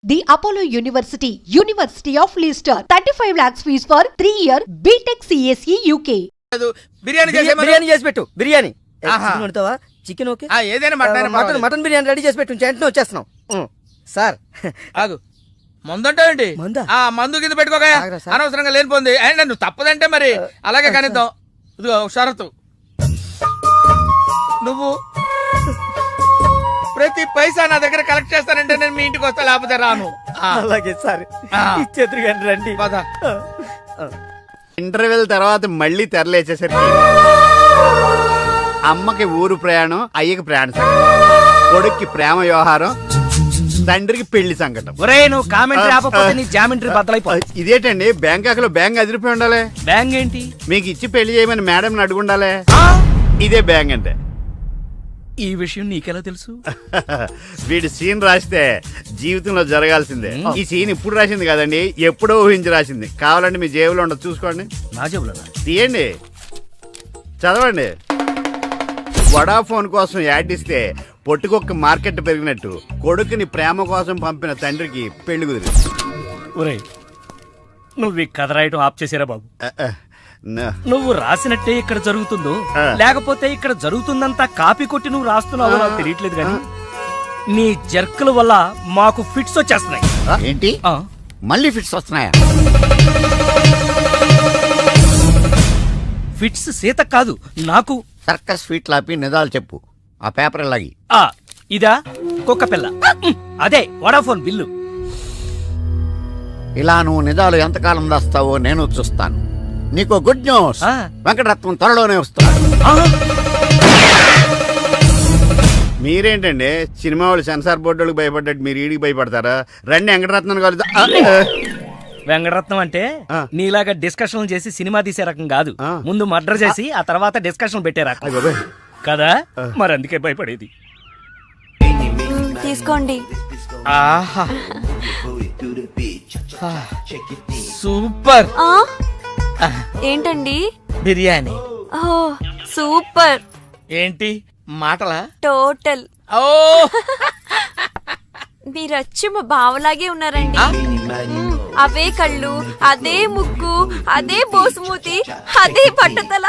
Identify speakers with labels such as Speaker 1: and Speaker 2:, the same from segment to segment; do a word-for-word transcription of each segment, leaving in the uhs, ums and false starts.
Speaker 1: The Apollo University, University of Leicester, thirty-five lakhs fees for three year B Tech C S E U K.
Speaker 2: Biryani
Speaker 3: biryani చేసి పెట్టు. బిర్యానీ
Speaker 2: ఆహా.
Speaker 3: Chicken okay,
Speaker 2: ఏదైనా mutton
Speaker 3: mutton mutton biryani ready చేసి పెట్టు. వెంటనే వచ్చేస్తున్నాం sir.
Speaker 2: ఆగు, మందుంటావేంటి? ఆ మందు కింద పెట్టుకోక అనవసరంగా లేనిపోంది. అండ్ నువ్వు తప్పదంటే మరి అలాగే కనిద్దాం. ఇదిగో షరతు, నువ్వు ప్రతి పైసా నా దగ్గర కలెక్ట్ చేస్తానంటే నేను మీ ఇంటికి వస్తా, లేకపోతే రాను.
Speaker 3: అలాగే సార్, ఇచ్చేద్దరు కానీ రండి.
Speaker 4: ఇంటర్వెల్ తర్వాత మళ్ళీ తెరలేచేసరికి అమ్మకి ఊరు ప్రయాణం, అయ్యకి ప్రయాణ సంకటం, కొడుక్కి ప్రేమ వ్యవహారం, తండ్రికి పెళ్లి సంకటం.
Speaker 3: ఒరే నువ్వు కామెంటరీ ఆపకపోతే నీ జామెంట్రీ బద్దలైపో.
Speaker 4: ఇదేంటండి బ్యాంకాక్ లో బ్యాంక్ అదిరిపోయి ఉండాలి.
Speaker 3: బ్యాంక్ ఏంటి?
Speaker 4: మీకు ఇచ్చి పెళ్లి చేయమని మేడం అడుగుండాలి. ఇదే బ్యాంక్ అంటే.
Speaker 3: ఈ విషయం నీకెలా తెలుసు?
Speaker 4: వీడి సీన్ రాస్తే జీవితంలో జరగాల్సిందే. ఈ సీన్ ఇప్పుడు రాసింది కదండి, ఎప్పుడో ఊహించి రాసింది. కావాలంటే మీ జేబులో ఉండదు, చూసుకోండి.
Speaker 3: నా జేబులో
Speaker 4: తీయండి, చదవండి. వడాఫోన్ కోసం యాడ్ ఇస్తే పొట్టుకొక్క మార్కెట్ పెరిగినట్టు కొడుకుని ప్రేమ కోసం పంపిన తండ్రికి పెళ్లి కుదిరింది.
Speaker 3: ఒరేయ్ నువ్వు ఈ కథ రాయటం ఆప్ చేసారా బాబు?
Speaker 4: No.
Speaker 3: నువ్వు రాసినట్టే ఇక్కడ జరుగుతుందో లేకపోతే ఇక్కడ జరుగుతుందంతా కాపీ కొట్టి నువ్వు రాస్తున్నావో నాకు తెలియట్లేదు కానీ నీ జర్కుల వల్ల మాకు ఫిట్స్ వచ్చేస్తున్నాయి.
Speaker 4: ఏంటి మళ్ళీ ఫిట్స్ వస్తున్నాయా?
Speaker 3: ఫిట్స్ సీత కాదు నాకు.
Speaker 4: సర్కస్ ఫీట్ లాపి నిజాలు చెప్పు. ఆ పేపర్ లాగి.
Speaker 3: ఆ ఇదా కుక్క పిల్ల, అదే వడాఫోన్ బిల్లు.
Speaker 4: ఇలా నువ్వు నిజాలు ఎంతకాలం దాస్తావో నేను చూస్తాను. నీకు గుడ్ న్యూస్, వెంకటరత్నం త్వరలోనే వస్తున్నాడు. మీరేంటండి సినిమా వాళ్ళు సెన్సార్ బోర్డులకు భయపడ్డట్టు మీరు ఈడికి భయపడతారా? రండి వెంకటరత్నం కలుద్దా.
Speaker 3: వెంకటరత్నం అంటే నీలాగా డిస్కషన్ చేసి సినిమా తీసే రకం కాదు, ముందు మర్డర్ చేసి ఆ తర్వాత డిస్కషన్ పెట్టే రకం కదా. మరి అందుకే భయపడేది.
Speaker 5: తీసుకోండి.
Speaker 2: ఆహా సూపర్.
Speaker 5: ఏంటండి?
Speaker 2: బిర్యానీ.
Speaker 5: ఓ సూపర్.
Speaker 2: ఏంటి మాటలా?
Speaker 5: టోటల్.
Speaker 2: ఓ
Speaker 5: మీరచ్చి మా బావలాగే ఉన్నారండి. అవే కళ్ళు, అదే ముక్కు, అదే బోసుమూతి, అదే పట్టతల.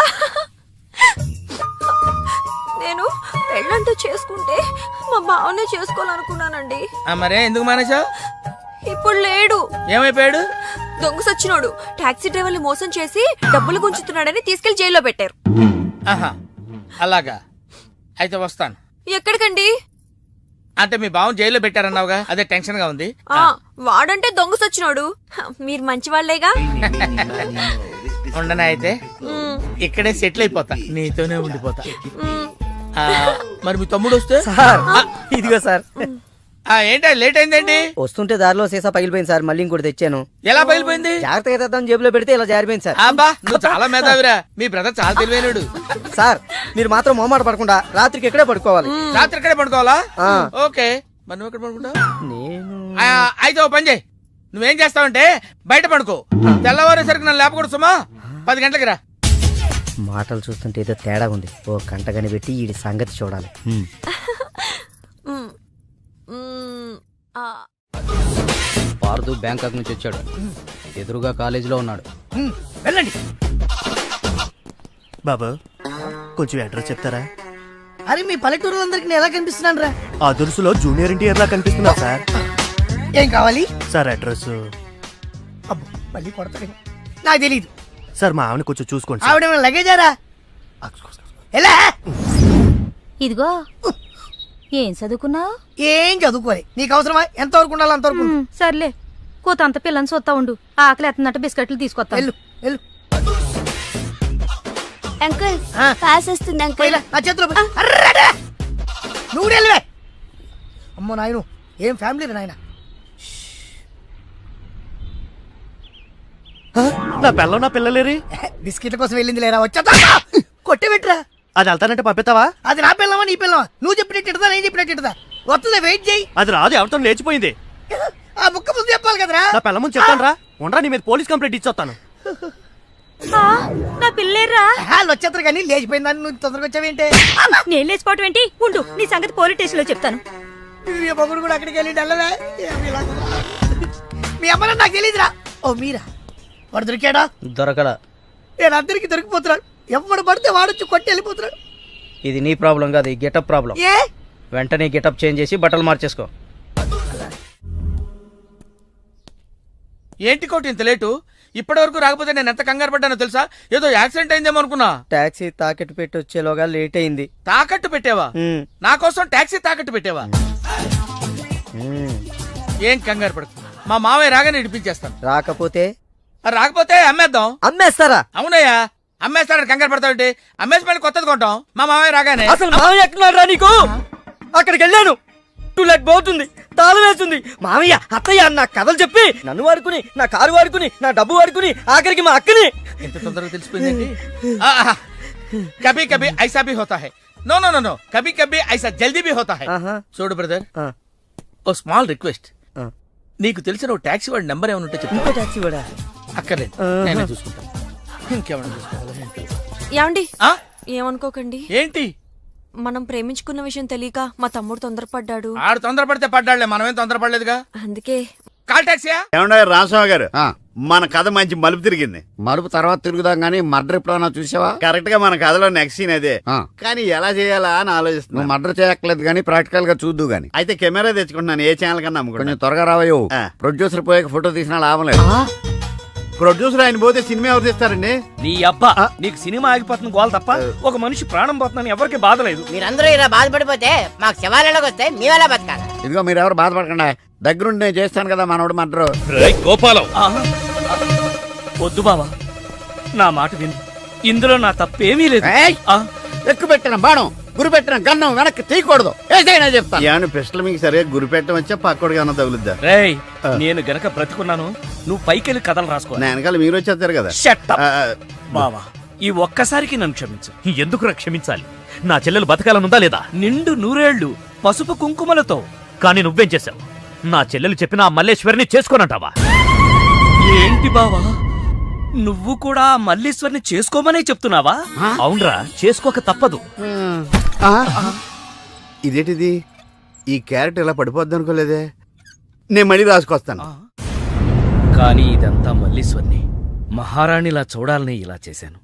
Speaker 5: నేను పెళ్ళంటూ చేసుకుంటే మా బావనే చేసుకోవాలనుకున్నానండి.
Speaker 2: మరే ఎందుకు మానేశావు?
Speaker 5: ఇప్పుడు లేడు.
Speaker 2: ఏమైపోయాడు?
Speaker 5: దొంగ సచ్చినోడు టాక్సీ డ్రైవర్ని మోసం చేసి డబ్బులు గుంచుతున్నాడని తీసుకెళ్లి జైల్లో పెట్టారు.
Speaker 2: ఆహా అలాగా, అయితే వస్తాను.
Speaker 5: ఎక్కడికండి?
Speaker 2: అంటే మీ బావ జైల్లో పెట్టారన్నావుగా, అదే టెన్షన్ గా ఉంది.
Speaker 5: వాడంటే దొంగ సచ్చినోడు, మీరు మంచి వాళ్లేగా.
Speaker 2: ఉండనా అయితే ఇక్కడే సెటిల్ అయిపోతా, నీతోనే ఉండిపోతా. మరి మీ తమ్ముడు వస్తే?
Speaker 3: ఇదిగో సార్.
Speaker 2: ఏంటో లేట్ అయిందండి?
Speaker 3: వస్తుంటే దారిలో సీసా పగిలిపోయింది సార్, మళ్ళీ ఇంకోటి తెచ్చాను.
Speaker 2: ఎలా పగిలిపోయింది?
Speaker 3: జాగ్రత్తగా తెద్దాం జేబులో పెడితే ఇలా జారిపోయింది సార్.
Speaker 2: అబ్బా నువ్వు చాలా మేధావిరా, మీ బ్రదర్ చాలా తెలివైనడు.
Speaker 3: సార్ మీరు మాత్రం మొహమాట పడకుండా రాత్రికి ఎక్కడే పడుకోవాలి.
Speaker 2: రాత్రి ఎక్కడే పడుకోవాలా? ఓకే, మరి నువ్వు ఎక్కడ పడుకుంటావు?
Speaker 3: నేను
Speaker 2: అయితే ఓ పని చేయి, నువ్వేం చేస్తావంటే బయట పడుకో, తెల్లవారేసరికి నన్ను లేపకూడదు సుమా. పది గంటలకి రా.
Speaker 3: మాటలు చూస్తుంటే ఏదో తేడా ఉంది, ఓ గంట కనిపెట్టి ఈ సంగతి చూడాలి.
Speaker 6: పార్దు బ్యాంకాక్ నుంచి వచ్చాడు, ఎదురుగా కాలేజీలో ఉన్నాడు.
Speaker 3: వెళ్ళండి
Speaker 7: బాబా, కొంచెం అడ్రస్ చెప్తారా?
Speaker 3: అరే మీ పల్లెటూరులందరికి నేను ఎలా కనిపిస్తున్నాను రా?
Speaker 7: ఆ దురుసులో జూనియర్ ఎన్టీఆర్ లా కనిపిస్తున్నా సార్.
Speaker 3: ఏం కావాలి సార్?
Speaker 7: అడ్రస్
Speaker 3: మళ్ళీ కొడతాడు, నాకు తెలీదు
Speaker 7: సార్. మా ఆవిడ కొంచెం చూసుకోండి.
Speaker 3: ఆవిడ లగేజారా?
Speaker 8: ఇదిగో ఏం చదువుకున్నావు?
Speaker 3: ఏం చదువుకోలే, నీకు అవసరమా? ఎంత వరకు ఉండాలి అంతవరకు.
Speaker 8: సర్లే, కోతంత పిల్లని చూస్తా ఉండు, ఆకలి ఎత్తున్నట్టు బిస్కెట్లు తీసుకొస్తా.
Speaker 3: వెళ్ళు వెళ్ళు.
Speaker 5: అంకుల్ పాస్ వస్తుంది అంకుల్.
Speaker 3: నా చేతిలో నువ్వు వెళ్ళవే. అమ్మో నాయను, ఏం ఫ్యామిలీ నాయన.
Speaker 7: నా పిల్ల నా పిల్లలేరి
Speaker 3: బిస్కెట్ల కోసం వెళ్ళింది లేరా? వచ్చా కొట్టే పెట్టరా.
Speaker 7: అది వెళ్తానంటే పంపిస్తావా?
Speaker 3: అది నా పిల్లవా నీ పిల్లవా? నువ్వు చెప్పినట్టు నేను చెప్పినట్టు వస్తుందా? వెయిట్ చేయి.
Speaker 7: అది రాదు, ఎవరితో లేచిపోయింది.
Speaker 3: ఆ బుక్క ముందు చెప్పాలి కదరా.
Speaker 7: నా పిల్ల ముందు చెప్తాను రా, ఉండరా నీ మీద పోలీస్ కంప్లైంట్ ఇచ్చొస్తాను.
Speaker 8: నా పిల్లేరా?
Speaker 3: వాళ్ళు వచ్చేస్తారు కానీ లేచిపోయిందని నువ్వు తొందరగా వచ్చావేంటే?
Speaker 8: నేను లేచిపోవటం ఏంటి? ఉండు, నీ సంగతి పోలీస్ స్టేషన్ లో చెప్తాను.
Speaker 9: మీ మొగుడు కూడా అక్కడికి వెళ్ళి వెళ్ళలే మీ అమ్మ నాకు తెలియదురా. ఓ మీరా వాడు దొరికాడా?
Speaker 6: దొరకడా.
Speaker 9: నేను అందరికి దొరికిపోతున్నాడు. ఎవడు పడితే వాడొచ్చి కొట్టి వెళ్ళిపోతున్నాడు.
Speaker 6: ఇది నీ ప్రాబ్లం కాదు, ఈ గెటప్ ప్రాబ్లం.
Speaker 9: ఏ
Speaker 6: వెంటనే గెటప్ చేంజ్ చేసి బట్టలు మార్చేసుకో.
Speaker 2: ఏంటి కోటి ఇంత లేటు? ఇప్పటి వరకు రాకపోతే నేను ఎంత కంగారు పడ్డానో తెలుసా? ఏదో యాక్సిడెంట్ అయిందేమో అనుకున్నా.
Speaker 6: టాక్సీ తాకెట్టు పెట్టి వచ్చేలోగా లేట్ అయింది.
Speaker 2: తాకట్టు పెట్టావా?
Speaker 6: ఉమ్,
Speaker 2: నా కోసం టాక్సీ తాకట్టు పెట్టావా?
Speaker 6: ఉమ్.
Speaker 2: ఏం కంగారు పడకు, మా మావయ్య రాగానే ఇడిపించేస్తాను.
Speaker 6: రాకపోతే
Speaker 2: ఆ రాకపోతే అమ్మేద్దాం.
Speaker 6: అమ్మేస్తారా?
Speaker 2: అవునయ్యా, అమ్మేస్తాడని కంగారు పడతావుంటి? అమ్మేసి మళ్ళీ కొత్తది కొంటాం మా మావయ్య రాగానే.
Speaker 6: అసలు మామయ్య ఎక్కడున్నాడు రా నీకు? అక్కడికి వెళ్ళాను, టూ లెట్ పోతుంది, తాళం వేస్తుంది. మామయ్య అత్తయ్య నా కథలు చెప్పి నన్ను వాడుకుని, నా కారు వాడుకుని, నా డబ్బు వాడుకుని, ఆఖరికి మా అక్కని.
Speaker 2: ఎంత తొందరగా తెలిసిపోయిందండి. ఆహా, కభీ కభీ ఐసా భీ హోతా హై. నో నో నో నో కభీ కభీ ఐసా జల్దీ భీ హోతా హై.
Speaker 6: ఆహా.
Speaker 2: చూడు బ్రదర్,
Speaker 6: ఆ,
Speaker 2: ఓ స్మాల్ రిక్వెస్ట్.
Speaker 6: ఆ.
Speaker 2: నీకు తెలిసిన ఓ టాక్సీ వాడి నెంబర్ ఏమైనా ఉంటే చెప్పు.
Speaker 6: ఇంకో టాక్సీ వాడా?
Speaker 2: అక్కర్లేదు,
Speaker 6: ఆహా.
Speaker 2: నేనే చూసుకుంటాను. ఇంకేమైనా చూసుకోవాలా ఏంటి?
Speaker 5: ఏమండి
Speaker 2: ఆ?
Speaker 5: ఏమనుకోకండి,
Speaker 2: ఏంటి?
Speaker 5: మనం ప్రేమించుకున్న విషయం తెలియక మా తమ్ముడు తొందరపడ్డాడు.
Speaker 2: ఆడు తొందరపడితే పడ్డాడులే, మనమేం తొందరపడలేదుగా.
Speaker 5: అందుకే
Speaker 2: కాల్ టాక్సీయా?
Speaker 4: ఏమన్నా రామస్వామి గారు, మన కథ మంచి మలుపు తిరిగింది.
Speaker 10: మలుపు తర్వాత తిరుగుదాం గానీ మర్డర్ ఎప్పుడన్నా చూసావా?
Speaker 4: కరెక్ట్ గా మన కథలో నెక్స్ట్ సీన్ అదే.
Speaker 10: ఆ.
Speaker 4: కానీ ఎలా చేయాలా అని ఆలోచిస్తున్నా.
Speaker 10: నువ్వు మర్డర్ చేయక్కర్లేదు గానీ ప్రాక్టికల్ గా చూద్దు గానీ.
Speaker 4: అయితే కెమెరా తెచ్చుకుంటున్నాను, ఏ ఛానల్ కన్నా
Speaker 10: కొంచెం
Speaker 4: అమ్ముకుంటాను.
Speaker 10: త్వరగా రావయ్యో.
Speaker 4: ఆ.
Speaker 10: ప్రొడ్యూసర్ పోయాక ఫోటో తీసినా లాభం లేదు.
Speaker 4: ప్రొడ్యూసర్ ఆయన పోతే సినిమా ఎవరు తీస్తారండి?
Speaker 3: నీ అబ్బా, నీకు సినిమా ఆగిపోతుంది గోల్ తప్ప ఒక మనిషి ప్రాణం పోతుందని ఎవరికి బాధ లేదు.
Speaker 9: మీరందరూ ఇలా బాధపడిపోతే మాకు శవాలలోకి వస్తే మీ వల్ల బతకాలి.
Speaker 10: ఇదిగో మీరు ఎవరు బాధపడకుండా, దగ్గరుండి నేను చేస్తాను కదా మనోడు మర్డర్.
Speaker 3: గోపాలం, వద్దు బావా, నా మాట విను, ఇందులో నా తప్పేమీ లేదు. ఆ,
Speaker 10: ఎక్కువ పెట్టిన బాణం, గురి పెట్టిన గన్నం వెనక్కి తీయకూడదు. ఏదైనా చెప్తా.
Speaker 4: ఏమన్నా పిస్టల్ మీకు సరిగా గురి పెట్టడం వచ్చా పక్కోడికి ఏమన్నా తగులుద్దా?
Speaker 3: రేయ్, నేను గనక బ్రతుకున్నాను, నువ్వు పైకెళ్ళి కథలు రాసుకో.
Speaker 4: నా వెనకాల మీరు వచ్చేస్తారు కదా.
Speaker 3: Shut up.
Speaker 4: ఆ,
Speaker 3: బావా, ఈ ఒక్కసారికి నన్ను క్షమించు.
Speaker 7: ఎందుకు క్షమించాలి? నా చెల్లెలు బతకాలనుందా లేదా?
Speaker 3: నిండు నూరేళ్లు పసుపు కుంకుమలతో.
Speaker 7: కానీ నువ్వేం చేశావు? నా చెల్లెలు చెప్పిన ఆ మల్లేశ్వరిని చేసుకోనంటావా?
Speaker 3: ఏంటి బావా, నువ్వు కూడా ఆ మల్లీశ్వరిని చేసుకోమనే చెప్తున్నావా?
Speaker 7: అవునరా, చేసుకోక తప్పదు.
Speaker 4: ఆ, ఇదేంటిది? ఈ క్యారెట్ ఇలా పడిపోద్ది అనుకోలేదే. నేను మళ్ళీ రాసుకొస్తాను.
Speaker 3: కానీ ఇదంతా మల్లీశ్వరిని మహారాణిలా చూడాలని ఇలా చేశాను.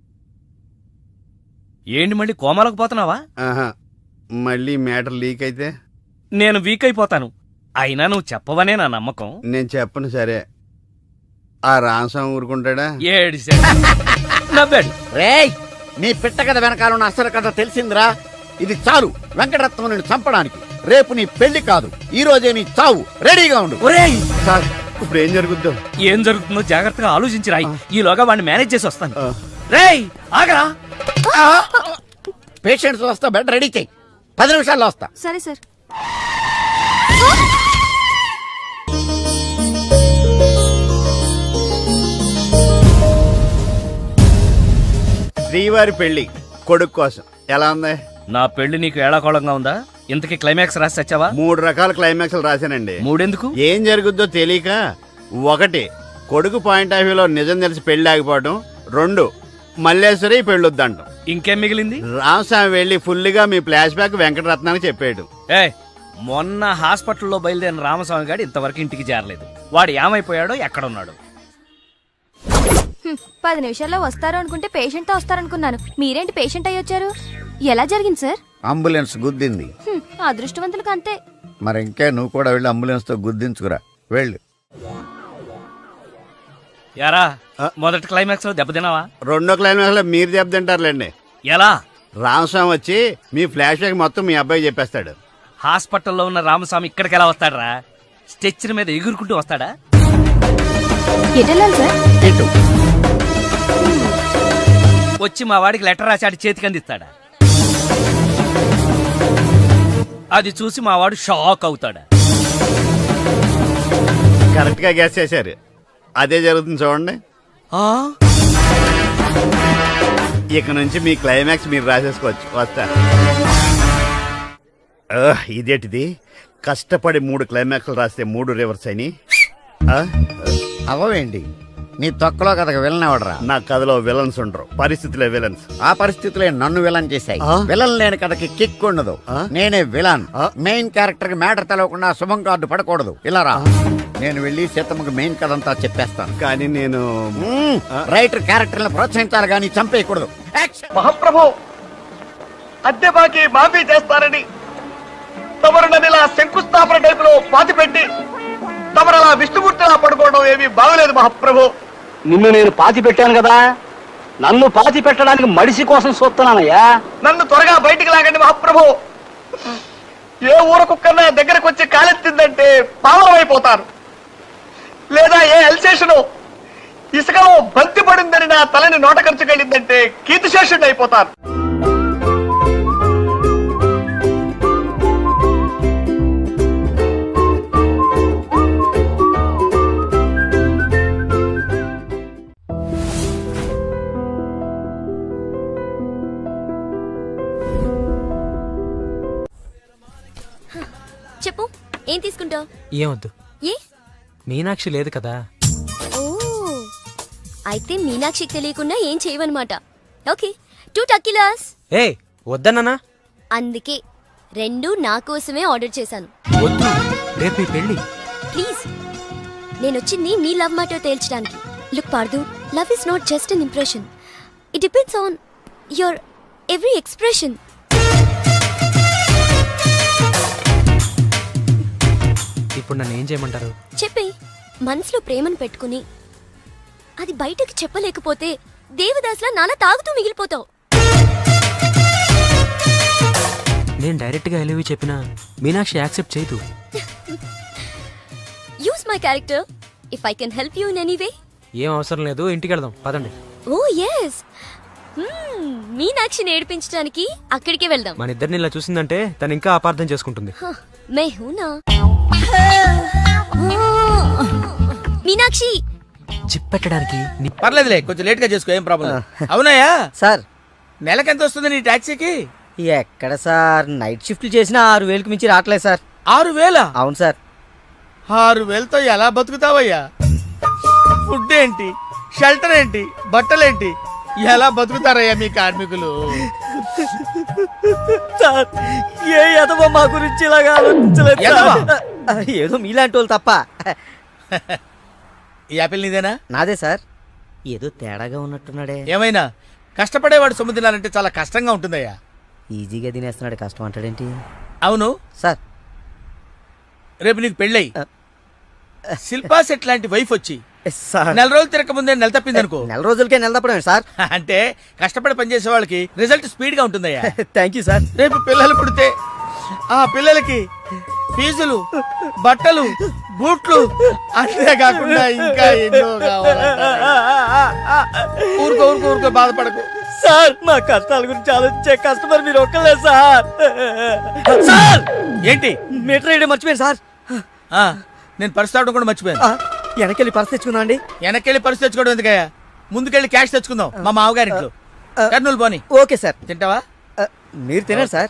Speaker 3: ఏంటి మళ్ళీ కోమాలకు పోతున్నావా?
Speaker 4: ఆహా, మళ్ళీ మ్యాటర్ లీక్ అయితే
Speaker 3: నేను వీక్ అయిపోతాను. అయినా నువ్వు చెప్పవనే నా నమ్మకం.
Speaker 4: నేను చెప్పను. సరే, ఆ రామస్వామి ఊరుకుంటాడా?
Speaker 3: ఏడిశాడు, నవ్వాడు.
Speaker 10: రేయ్, నీ పిట్ట కథ వెనకాల ఉన్న అసలు కథ తెలిసిందిరా. ఇది చాలు వెంకటరత్నం నిన్ను చంపడానికి. రేపు నీ పెళ్లి కాదు, ఈ రోజే నీ చావు. రెడీగా ఉండు.
Speaker 3: ఒరేయ్,
Speaker 4: సార్, ఇప్పుడు ఏం జరుగుద్దో?
Speaker 3: ఏం జరుగుతుందో జాగ్రత్తగా ఆలోచించి రాయి. ఈలోగా వాడిని మేనేజ్ చేసి వస్తాను.
Speaker 4: ఆ.
Speaker 3: రేయ్, ఆగరా.
Speaker 10: పేషెంట్స్ వస్తా, బెడ్ రెడీ చెయ్యి. పది నిమిషాల్లో వస్తా.
Speaker 5: సరే సార్.
Speaker 4: శ్రీవారి పెళ్లి కొడుకు కోసం ఎలా ఉంది?
Speaker 3: నా పెళ్లి నీకు ఏడాకోళంగా ఉందా? ఇంతకీ క్లైమాక్స్ రాసి వచ్చావా?
Speaker 4: మూడు రకాల క్లైమాక్స్ రాశానండి.
Speaker 3: మూడెందుకు?
Speaker 4: ఏం జరుగుద్దో తెలియక, ఒకటి కొడుకు పాయింట్ ఆఫ్ వ్యూలో నిజం తెలిసి పెళ్లి ఆగిపోవడం, రెండు మల్లేశ్వరి పెళ్ళొద్దంటాం.
Speaker 3: ఇంకేం మిగిలింది?
Speaker 4: రామస్వామి వెళ్ళి ఫుల్ గా మీ ఫ్లాష్ బ్యాక్ వెంకటరత్నానికి చెప్పాడు.
Speaker 3: ఏ, మొన్న హాస్పిటల్లో బయలుదేరిన రామస్వామి గారు ఇంతవరకు ఇంటికి చేరలేదు. వాడు ఏమైపోయాడో, ఎక్కడున్నాడు?
Speaker 8: పది నిమిషాల్లో వస్తారు అనుకుంటే పేషెంట్ తో వస్తారనుకున్నాను. మీరేంటి పేషెంట్ అయ్యి వచ్చారు? ఎలా జరిగింది సార్?
Speaker 10: అంబులెన్స్ గుద్దింది.
Speaker 8: హ్మ్, అదృష్టవంతులకు అంతే.
Speaker 10: మరి ఇంకే నువ్వు కూడా వెళ్ళి అంబులెన్స్ తో గుద్దించుకురా. వెళ్ళు.
Speaker 3: యారా, మొదటి క్లైమాక్స్ లో దెబ్బతిన్నావా?
Speaker 4: రెండో క్లైమాక్స్ లో మీరు దెబ్బతింటారులేండి.
Speaker 3: ఎలా?
Speaker 4: రామస్వామి వచ్చి మీ ఫ్లాష్ బ్యాక్ మొత్తం మీ అబ్బాయి చెప్పేస్తాడు.
Speaker 3: హాస్పిటల్లో ఉన్న రామస్వామి ఇక్కడికి ఎలా వస్తాడరా? స్ట్రెచ్చర్ మీద ఎగురుకుంటూ వస్తాడా?
Speaker 8: ఎటెళ్ళాలి సార్?
Speaker 10: ఇటు.
Speaker 3: వచ్చి మా వాడికి లెటర్ రాశాడు చేతికి అందిస్తాడా? అది చూసి మా వాడు షాక్ అవుతాడా?
Speaker 4: కరెక్ట్ గా గ్యాస్ చేశారు. అదే జరుగుతుంది చూడండి.
Speaker 3: ఆ?
Speaker 4: ఇక నుంచి మీ క్లైమాక్స్ మీరు రాసేసుకోవచ్చు. వస్తా. ఆహ్, ఇదేంటిది? కష్టపడి మూడు క్లైమాక్స్లు రాస్తే మూడు రివర్స్ అయినాయి. ఆ?
Speaker 10: అవవేంటి? నీ తొక్కలో కథకు వెళ్ళినవడరా.
Speaker 4: నా కథలో విలన్స్ ఉండరు, పరిస్థితులే విలన్స్.
Speaker 10: ఆ పరిస్థితులే నన్ను విలన్ చేశాయి.
Speaker 4: ఆ?
Speaker 10: విలన్ లేని కథకి కిక్ ఉండదు.
Speaker 4: ఆ?
Speaker 10: నేనే విలన్.
Speaker 4: ఆ?
Speaker 10: మెయిన్ క్యారెక్టర్ కి మ్యాటర్ తెలవకుండా శుభం కార్డు పడకూడదు. ఇలా రా, నేను వెళ్ళి సీతమ్మకి మెయిన్ కథ అంతా చెప్పేస్తాను.
Speaker 4: కానీ నేను
Speaker 10: మ్మ్. రైటర్ క్యారెక్టర్ని ప్రోత్సహించాలి కానీ చంపేయకూడదు. యాక్షన్.
Speaker 6: మహాప్రభు అద్దె బాకి మాఫీ చేస్తారని తమరు నన్ను ఇలా శంకుస్థాపన టైప్ లో పాతి పెట్టి తమరు అలా విష్ణుమూర్తిలా పడుకోవడం ఏమీ బాగలేదు మహాప్రభు.
Speaker 11: నిన్ను నేను పాతి పెట్టాను కదా, నన్ను పాతి పెట్టడానికి మడిసి కోసం చూస్తున్నానయ్యా.
Speaker 6: నన్ను త్వరగా బయటికి లాగండి మహాప్రభు. ఏ ఊర కుక్కన్నా దగ్గరకు వచ్చి కాలెత్తిందంటే పావనమైపోతారు. లేదా ఏ ఎల్సేషను ఇసుకలో బంతి పడిందని నా తలని నోట ఖర్చుకెళ్ళిందంటే కీర్తిశేషుడు అయిపోతారు.
Speaker 8: చెప్పు, ఏం తీసుకుంటావు?
Speaker 3: ఏమొద్దు,
Speaker 8: ఏ?
Speaker 3: మీనాక్షి లేదు కదా.
Speaker 8: ఓ, అయితే మీనాక్షికి తెలియకుండా ఏం చేయవన్నమాట. Okay, two టక్కిలాస్.
Speaker 3: ఏ వద్దన్నానా?
Speaker 8: అందుకే రెండు నా కోసమే ఆర్డర్ చేశాను.
Speaker 3: వద్దు, రేపు ఈ పెళ్ళి.
Speaker 8: ప్లీజ్, నేను వచ్చింది మీ లవ్ మ్యాటర్ తేల్చడానికి. Look Pardhu, love is not just an impression. It depends on your every expression.
Speaker 3: ఇప్పుడు నన్ను ఏం చేయమంటారు?
Speaker 8: చెప్పే, మనసులో ప్రేమను పెట్టుకుని అది బయటకు చెప్పలేకపోతే దేవదాస్లా నాన్న తాగుతూ మిగిలిపోతావు.
Speaker 3: నేను డైరెక్ట్ గా ఎలివి చెప్పినా మీనాక్షి యాక్సెప్ట్ చేయదు.
Speaker 8: Use my character if I can help you in any way.
Speaker 3: ఏం అవసరం లేదు, ఇంటికి వెళ్దాం పదండి.
Speaker 8: ఓ ఎస్, మీనాక్షిని ఏడిపించడానికి అక్కడికే వెళ్దాం.
Speaker 3: మన ఇద్దరిని ఇలా చూసిందంటే తను ఇంకా అపార్థం చేసుకుంటుంది.
Speaker 8: మే హూనా మీనాక్షి.
Speaker 3: జిప్ పెట్టడానికి నీ
Speaker 2: పర్లేదులే, కొంచెం లేట్ గా చేసుకో, ఏం ప్రాబ్లం. అవునాయా
Speaker 6: సార్,
Speaker 2: నెలకెంత వస్తుంది నీ టాక్సీకి?
Speaker 6: ఎక్కడ సార్, నైట్ షిఫ్ట్లు చేసినా ఆరు వేలకు మించి రావట్లేదు సార్.
Speaker 2: ఆరు వేల?
Speaker 6: అవును సార్.
Speaker 2: ఆరు వేలతో ఎలా బతుకుతావయ్యా? ఫుడ్ ఏంటి, షెల్టర్ ఏంటి, బట్టలేంటి, ఎలా బతుకుతారయ్యా మీ కార్మికులు?
Speaker 6: సార్, ఏ ఎదవ మా గురించి ఇలాగా ఆలోచించలేదు సార్. ఏదో మీలాంటి వాళ్ళు తప్ప.
Speaker 2: ఈ యాపిల్ నీదేనా?
Speaker 6: నాదే సార్. ఏదో తేడాగా ఉన్నట్టున్నాడే.
Speaker 2: ఏమైనా కష్టపడేవాడు సొమ్ము తినాలంటే చాలా కష్టంగా ఉంటుందయ్యా.
Speaker 6: ఈజీగా తినేస్తున్నాడు, కష్టం అంటాడేంటి?
Speaker 2: అవును
Speaker 6: సార్,
Speaker 2: రేపు నీకు పెళ్ళయి శిల్పా సెట్ లాంటి వైఫ్ వచ్చి
Speaker 6: సార్,
Speaker 2: నెల రోజులు తిరగక ముందే నెల తప్పింది అనుకో.
Speaker 6: నెల రోజులకే నెల తప్పడమే సార్.
Speaker 2: అంటే కష్టపడి పనిచేసే వాళ్ళకి రిజల్ట్ స్పీడ్ గా ఉంటుందయ్యా.
Speaker 6: Thank you sir.
Speaker 2: రేపు పిల్లలు పుడితే ఆ పిల్లలకి ఫీజులు, బట్టలు, బూట్లు, అంతేకాకుండా ఇంకా ఎన్నో కావాలంటారు. ఊరుకో ఊరుకో ఊరుకో బాధపడకు
Speaker 6: సార్. మా కష్టాల గురించి ఆలోచించే కస్టమర్ మీరు ఒక్కలే సార్. సార్,
Speaker 2: ఏంటి?
Speaker 6: మీటర్ వేయడం మర్చిపోయాను సార్.
Speaker 2: ఆ, నేను పరిస్థితి అవడం కూడా మర్చిపోయాను.
Speaker 6: వెనకెళ్ళి పర్స్ తెచ్చుకుందాం అండి.
Speaker 2: వెనక్కెళ్ళి పరిస్థితి తెచ్చుకోవడం ఎందుకయ్యా? ముందుకెళ్ళి క్యాష్ తెచ్చుకుందాం మా మామగారింట్లో. కర్నూలు పోని.
Speaker 6: Okay sir.
Speaker 2: తింటావా?
Speaker 6: మీరు తినారు సార్.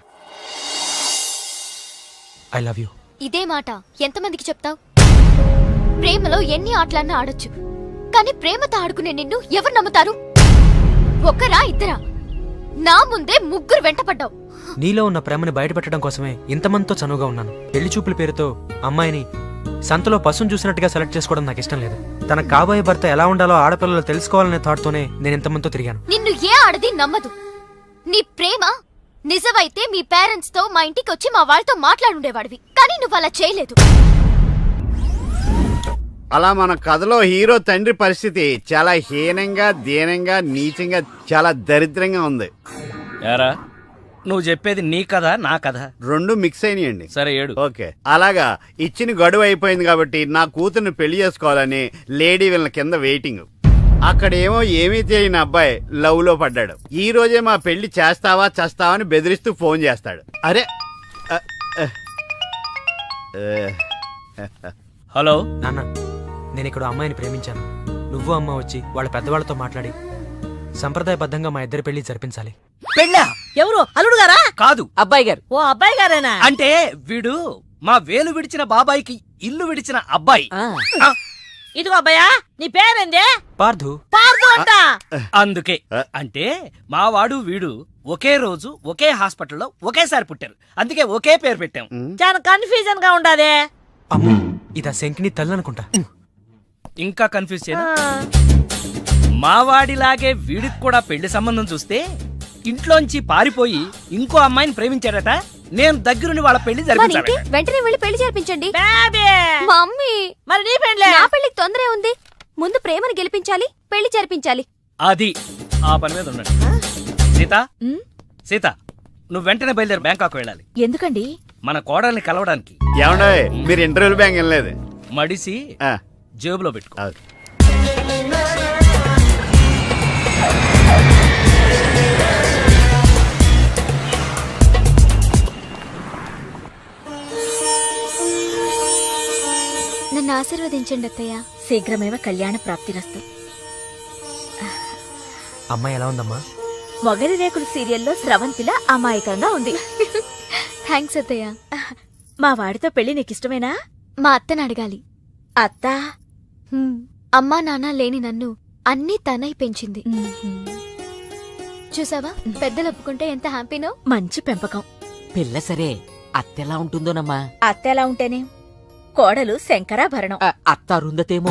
Speaker 3: I love you.
Speaker 8: ఇదే మాట ఎంతమందికి చెప్తావు? ప్రేమలో ఎన్ని ఆటలన్నా ఆడొచ్చు, కానీ ప్రేమతో ఆడుకునే నిన్ను ఎవరు నమ్ముతారు? ఒక్కరా ఇద్దరా? నా ముందే ముగ్గురు వెంటపడ్డావు.
Speaker 3: నీలో ఉన్న ప్రేమని బయటపెట్టడం కోసమే ఇంతమందితో చనువుగా ఉన్నాను. పెళ్లి చూపుల పేరుతో అమ్మాయిని సంతలో పశువును చూసినట్టుగా సెలెక్ట్ చేసుకోవడం నాకు ఇష్టం లేదు. తన కాబోయే భర్త ఎలా ఉండాలో ఆడపిల్లలు తెలుసుకోవాలనే థాట్తోనే నేను ఇంతమందితో తిరిగాను.
Speaker 8: నిన్ను ఏ ఆడది నమ్మదు. నీ ప్రేమ నిజమైతే మీ పేరెంట్స్ తో మా ఇంటికి వచ్చి మా వాళ్ళతో మాట్లాడుండేవాడివి, కానీ నువ్వు అలా చేయలేదు.
Speaker 4: అలా మన కథలో హీరో తండ్రి పరిస్థితి చాలా హీనంగా, దీనంగా, నీచంగా, చాలా దరిద్రంగా ఉంది.
Speaker 3: యారా, నువ్వు చెప్పేది నీ కథ నా కథ
Speaker 4: రెండు మిక్స్ అయినాయండి.
Speaker 3: సరే ఏడు.
Speaker 4: ఓకే, అలాగా ఇచ్చిన గడువు అయిపోయింది కాబట్టి నా కూతుర్ని పెళ్లి చేసుకోవాలని లేడీ వీళ్ళ కింద వెయిటింగ్. అక్కడేమో ఏమీ తెలియని అబ్బాయి లవ్ లో పడ్డాడు. ఈ రోజే మా పెళ్లి చేస్తావా చేస్తావా అని బెదిరిస్తూ ఫోన్ చేస్తాడు. అరే
Speaker 3: హలో నాన్న, నేను ఇక్కడ అమ్మాయిని ప్రేమించాను. నువ్వు అమ్మ వచ్చి వాళ్ళ పెద్దవాళ్ళతో మాట్లాడి సంప్రదాయబద్ధంగా మా ఇద్దరి పెళ్లి జరిపించాలి.
Speaker 6: పెళ్ళా? ఎవరు? అల్లుడు గారా?
Speaker 3: కాదు,
Speaker 6: అబ్బాయి గారు. ఓ అబ్బాయి గారేనా?
Speaker 3: అంటే వీడు మా వేలు విడిచిన బాబాయికి ఇల్లు విడిచిన అబ్బాయి.
Speaker 12: ఇదిగో అబ్బాయా నీ పేరేందే?
Speaker 3: పార్థు.
Speaker 12: పార్దు అంట.
Speaker 7: అందుకే అంటే మావాడు వీడు ఒకే రోజు ఒకే హాస్పిటల్లో ఒకేసారి పుట్టారు, అందుకే ఒకే పేరు పెట్టాం.
Speaker 12: చాలా కన్ఫ్యూజన్ గా ఉండాదే.
Speaker 3: అమ్మో ఇదా శంకిని తల్లి అనుకుంటా.
Speaker 7: ఇంకా కన్ఫ్యూజ్ చేయనా? మావాడిలాగే వీడికి కూడా పెళ్లి సంబంధం చూస్తే ఇంట్లోంచి పారిపోయి ఇంకో అమ్మాయిని ప్రేమించాడట. నేను దగ్గరుండి వాళ్ళ పెళ్లి జరిపించాను.
Speaker 8: వెంటనే వెళ్ళి పెళ్లి జరిపించండి.
Speaker 12: బేబీ
Speaker 8: మమ్మీ
Speaker 12: మరి నీ పెళ్లి?
Speaker 8: నా పెళ్లికి తొందరే ఉంది. ముందు ప్రేమను గెలిపించాలి, పెళ్లి జరిపించాలి.
Speaker 7: అది ఆ పని మీద ఉండండి. సీత సీత నువ్వు వెంటనే బయలుదేరి బ్యాంకాక్ వెళ్ళాలి.
Speaker 8: ఎందుకండి?
Speaker 7: మన కోడల్ని కలవడానికి.
Speaker 4: ఏమండే మీరు ఇంటర్వ్యూలు బ్యాంక్ వెళ్ళలేదు?
Speaker 7: మడిసి
Speaker 4: ఆ,
Speaker 7: జేబులో పెట్టుకో.
Speaker 4: ఆ.
Speaker 8: నన్ను ఆశీర్వదించండి అత్తయ్య.
Speaker 5: శీఘ్రమేవ కళ్యాణ ప్రాప్తిరస్తు.
Speaker 3: అమ్మాయి ఎలా ఉందమ్మా?
Speaker 5: మొగలి రేకులు సీరియల్లో స్రవంతిలా అమాయకంగా ఉంది.
Speaker 8: థ్యాంక్స్ అత్తయ్య.
Speaker 5: మా వాడితో పెళ్లి నీకిష్టమేనా?
Speaker 8: మా అత్తని అడగాలి.
Speaker 5: అత్త
Speaker 8: హ్మ్. అమ్మా నాన్న లేని నన్ను అన్నీ తనై పెంచింది. చూసావా పెద్దలు ఒప్పుకుంటే ఎంత హ్యాపీనో.
Speaker 5: మంచి పెంపకం.
Speaker 12: పిల్ల సరే అత్తెలా ఉంటుందోనమ్మా?
Speaker 5: అత్త ఎలా ఉంటేనే కోడలు శంకరాభరణం.
Speaker 12: అత్త అరుందతేమో.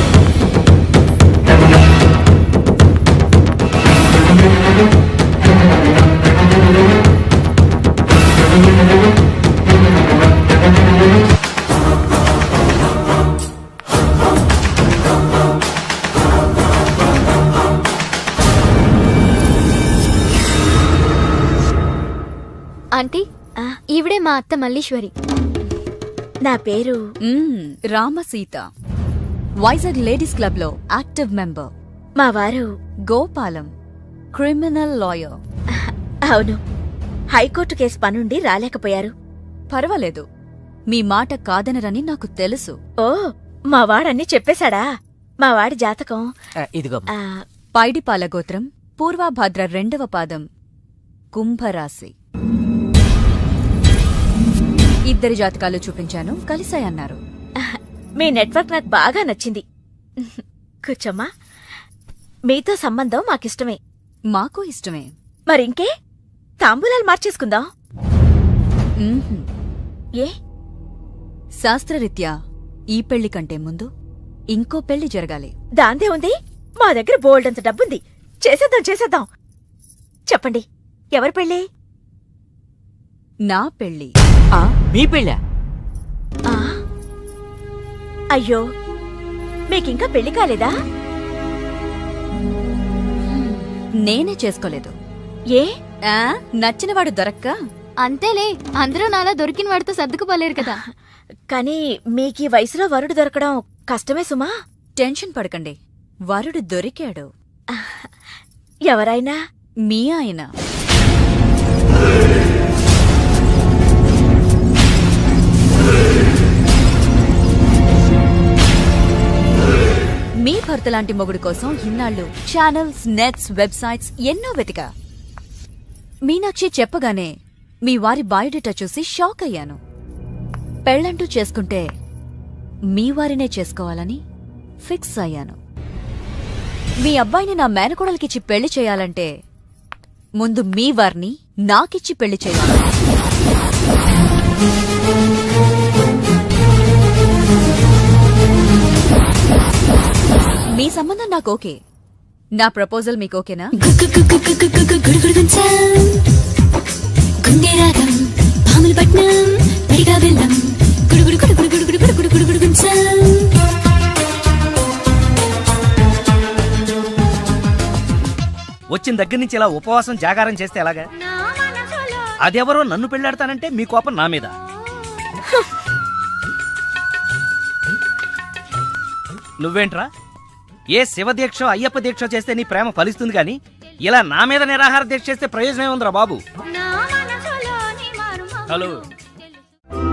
Speaker 8: ఆంటీ ఈవిడే మా అత్త మల్లీశ్వరి.
Speaker 5: నా పేరు
Speaker 1: రామసీత, వైజాగ్ లేడీస్ క్లబ్ లో యాక్టివ్ మెంబర్.
Speaker 5: మా వారు
Speaker 1: గోపాలం, క్రిమినల్ లాయర్.
Speaker 5: అవును, హైకోర్టు కేసు పనుండి రాలేకపోయారు.
Speaker 1: పర్వాలేదు, మీ మాట కాదనరని నాకు తెలుసు.
Speaker 5: ఓ మా వాడన్నీ చెప్పేశాడా? మా వాడి జాతకం
Speaker 12: ఇదిగో.
Speaker 5: ఆ,
Speaker 1: పైడిపాల గోత్రం, పూర్వభద్ర రెండవ పాదం, కుంభరాశి. ఇద్దరి జాతకాలు చూపించాను, కలిసాయన్నారు.
Speaker 5: మీ నెట్వర్క్ నాకు బాగా నచ్చింది. కూర్చోమ్మా. మీతో సంబంధం మాకిష్టమే.
Speaker 1: మాకు ఇష్టమే.
Speaker 5: మరింకే తాంబూలాలు మార్చేసుకుందాం.
Speaker 1: మ్మ్హ్మ్.
Speaker 5: ఏ
Speaker 1: శాస్త్రరీత్యా ఈ పెళ్లి కంటే ముందు ఇంకో పెళ్లి జరగాలి.
Speaker 5: దాందే ఉంది, మా దగ్గర బోల్డంత డబ్బుంది. చేసేద్దాం చేసేద్దాం. చెప్పండి, ఎవరి పెళ్ళి?
Speaker 1: నా పెళ్లి.
Speaker 12: మీ పెళ్ళా?
Speaker 5: ఆ, అయ్యో మీకింకా పెళ్లి కాలేదా?
Speaker 1: నేనే చేసుకోలేదు.
Speaker 5: ఏ
Speaker 1: ఆ, నచ్చినవాడు దొరక్క.
Speaker 8: అంతేలే, అందరూ నాలా దొరికిన వాడితో సర్దుకుపోలేరు కదా.
Speaker 5: కానీ మీకీ వయసులో వరుడు దొరకడం కష్టమే సుమా.
Speaker 1: టెన్షన్ పడకండి, వరుడు దొరికాడు.
Speaker 5: ఎవరైనా?
Speaker 1: మీ ఆయన. మీ భర్త లాంటి మొగుడు కోసం ఇన్నాళ్ళు ఛానల్స్, నెట్స్, వెబ్సైట్స్ ఎన్నో వెతికా. మీనాక్షి చెప్పగానే మీ వారి బయోడేటా చూసి షాక్ అయ్యాను. పెళ్ళంటూ చేసుకుంటే మీ వారినే చేసుకోవాలని ఫిక్స్ అయ్యాను. మీ అబ్బాయిని నా మేనకోడలికిచ్చి పెళ్లి చేయాలంటే ముందు మీ వారిని నాకిచ్చి పెళ్లి చేయాలి. మీ సంబంధం నాకు ఓకే. నా ప్రపోజల్ మీకు ఓకేనా?
Speaker 7: వచ్చిన దగ్గర నుంచి ఇలా ఉపవాసం జాగారం చేస్తే ఎలాగా? అదెవరో నన్ను పెళ్ళాడతానంటే మీ కోపం నా మీద. నువ్వేంట్రా ఏ శివదీక్ష అయ్యప్ప దీక్ష చేస్తే నీ ప్రేమ ఫలిస్తుంది గాని ఇలా నా మీద నిరాహార దీక్ష చేస్తే ప్రయోజనం ఏముందిరా బాబు? హలో